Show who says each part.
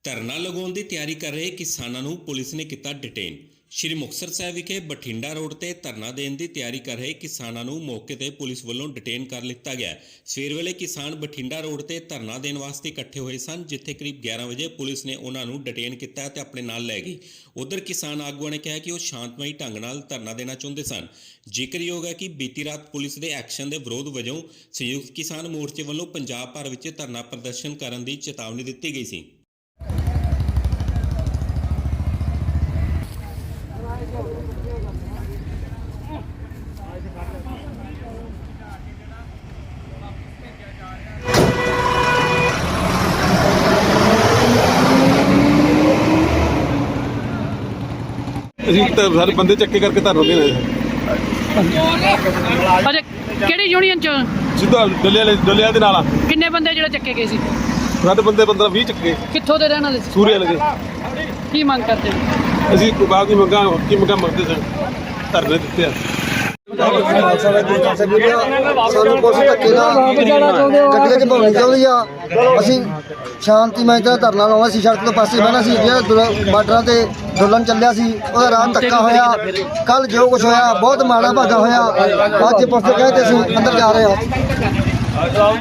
Speaker 1: ਧਰਨਾ ਲਗਾਉਣ ਦੀ ਤਿਆਰੀ ਕਰ ਰਹੇ ਕਿਸਾਨਾਂ ਨੂੰ ਪੁਲਿਸ ਨੇ ਕੀਤਾ ਡਿਟੇਨ। ਸ਼੍ਰੀ ਮੁਕਤਸਰ ਸਾਹਿਬ ਵਿਖੇ ਬਠਿੰਡਾ ਰੋਡ ਤੇ ਧਰਨਾ ਦੇਣ ਦੀ ਤਿਆਰੀ ਕਰ ਰਹੇ ਕਿਸਾਨਾਂ ਨੂੰ ਮੌਕੇ ਤੇ ਪੁਲਿਸ ਵੱਲੋਂ ਡਿਟੇਨ ਕਰ ਲਿੱਤਾ ਗਿਆ। ਸਵੇਰ ਵੇਲੇ ਕਿਸਾਨ ਬਠਿੰਡਾ ਰੋਡ ਤੇ ਧਰਨਾ ਦੇਣ ਵਾਸਤੇ ਇਕੱਠੇ ਹੋਏ ਸਨ, ਜਿੱਥੇ ਕਰੀਬ 11 ਵਜੇ ਪੁਲਿਸ ਨੇ ਉਹਨਾਂ ਨੂੰ ਡਿਟੇਨ ਕੀਤਾ ਤੇ ਆਪਣੇ ਨਾਲ ਲੈ ਗਈ। ਉਧਰ ਕਿਸਾਨ ਆਗੂਆਂ ਨੇ ਕਿਹਾ ਕਿ ਉਹ ਸ਼ਾਂਤਮਈ ਢੰਗ ਨਾਲ ਧਰਨਾ ਦੇਣਾ ਚਾਹੁੰਦੇ ਸਨ। ਜ਼ਿਕਰਯੋਗ ਹੈ ਕਿ ਬੀਤੀ ਰਾਤ ਪੁਲਿਸ ਦੇ ਐਕਸ਼ਨ ਦੇ ਵਿਰੋਧ ਵਜੋਂ ਸੰਯੁਕਤ ਕਿਸਾਨ ਮੋਰਚੇ ਵੱਲੋਂ ਪੰਜਾਬ ਭਰ ਵਿੱਚ ਧਰਨਾ ਪ੍ਰਦਰਸ਼ਨ ਕਰਨ ਦੀ ਚੇਤਾਵਨੀ ਦਿੱਤੀ ਗਈ ਸੀ।
Speaker 2: ਸਾਰੇ ਬੰਦੇ ਚੱਕੇ ਕਰਕੇ ਧਰਨਾ ਦੇਣਾ
Speaker 3: ਅੱਛਾ, ਕਿਹੜੀ ਯੂਨੀਅਨ ਚ?
Speaker 2: ਸਿੱਧਾ ਡੱਲਿਆਂ ਦੇ ਨਾਲ।
Speaker 3: ਕਿੰਨੇ ਬੰਦੇ ਜਿਹੜੇ ਚੱਕੇ ਗਏ ਸੀ?
Speaker 2: ਸਾਡੇ ਬੰਦੇ 15-20 ਚੱਕੇ।
Speaker 3: ਕਿੱਥੋਂ ਦੇ ਰਹਿਣ ਵਾਲੇ ਸੀ?
Speaker 2: ਸੂਰਿਆ ਲਗੇ।
Speaker 3: ਕੀ ਮੰਗ ਕਰਦੇ?
Speaker 2: ਅਸੀਂ ਬਾਅਦ ਦੀ ਮੰਗਾਂ ਕੀ ਮੰਗਾਂ ਮੰਗਦੇ ਸਨ, ਧਰਨੇ ਦਿੱਤੇ ਆ।
Speaker 4: ਸਾਨੂੰ ਕੁਛ ਧੱਕੇ ਨਾਲ ਗੱਡੀਆਂ 'ਚ ਭਉਣੀ ਚਾਹੁੰਦੀ ਆ। ਅਸੀਂ ਸ਼ਾਂਤੀਮਈ ਤਰ੍ਹਾਂ ਧਰਨਾ ਲਾਉਣਾ ਸੀ, ਸੜਕ ਤੋਂ ਪਾਸੇ ਬਹਿਣਾ ਸੀ। ਜਿਹੜਾ ਬਾਰਡਰਾਂ ਤੇ ਅੰਦੋਲਨ ਚੱਲਿਆ ਸੀ ਉਹਦਾ ਰਾਤ ਧੱਕਾ ਹੋਇਆ। ਕੱਲ ਜੋ ਕੁਛ ਹੋਇਆ ਬਹੁਤ ਮਾੜਾ ਭਾਗਾ ਹੋਇਆ। ਅੱਜ ਪੁਲਿਸ ਦੇ ਕਹੇ ਤੇ ਅਸੀਂ ਅੰਦਰ ਜਾ ਰਹੇ ਹਾਂ।